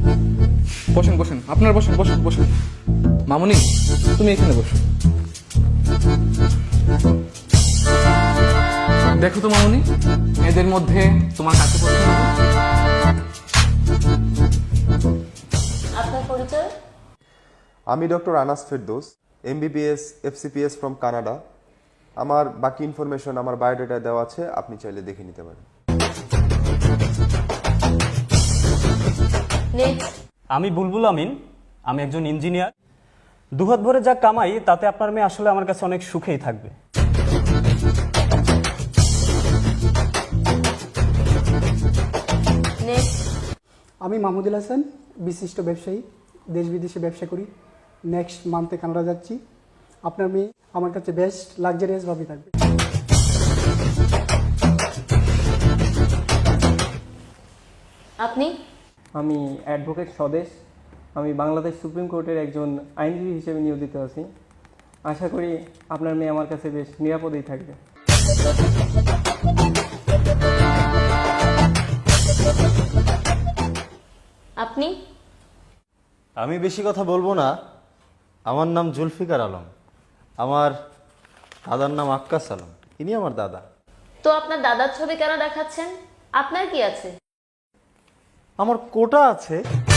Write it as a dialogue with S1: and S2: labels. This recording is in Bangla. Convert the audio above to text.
S1: বসেন বসেন, আপনার বসেন বসেন বসেন। মামুনি, তুমি এখানে বসো। দেখো তো মামুনি, এদের মধ্যে তোমার কাছে পছন্দ?
S2: আপনার পরিচয়?
S3: আমি doctor Anas Ferdous, MBBS FCPS from Canada. আমার বাকি ইনফরমেশন আমার বায়োডাটা দেওয়া আছে, আপনি চাইলে দেখে নিতে পারেন।
S2: নেক্সট।
S4: আমি বুলবুল আমিন, আমি একজন ইঞ্জিনিয়ার। দুহাত ভরে যা কামাই তাতে আপনার মেয়ে আসলে আমার কাছে অনেক সুখেই থাকবে।
S2: নেক্সট।
S5: আমি মাহমুদুল হাসান, বিশিষ্ট ব্যবসায়ী, দেশ বিদেশে ব্যবসা করি। নেক্সট মান্থে কানাডা যাচ্ছি। আপনার মেয়ে আমার কাছে বেস্ট লাক্সারিয়াসভাবে থাকবে।
S2: আপনি?
S6: আমি অ্যাডভোকেট স্বদেশ। আমি বাংলাদেশ সুপ্রিম কোর্টের একজন আইনজীবী হিসেবে নিয়োজিত আছি। আশা করি আপনার মেয়ে আমার কাছে বেশ নিরাপদেই থাকবে।
S2: আপনি?
S7: আমি বেশি কথা বলবো না। আমার নাম জুলফিকার আলম। আমার দাদার নাম আক্কাস আলম, ইনি আমার দাদা।
S2: তো আপনার দাদার ছবি কেন দেখাচ্ছেন? আপনার কি আছে?
S7: আমার কোটা আছে।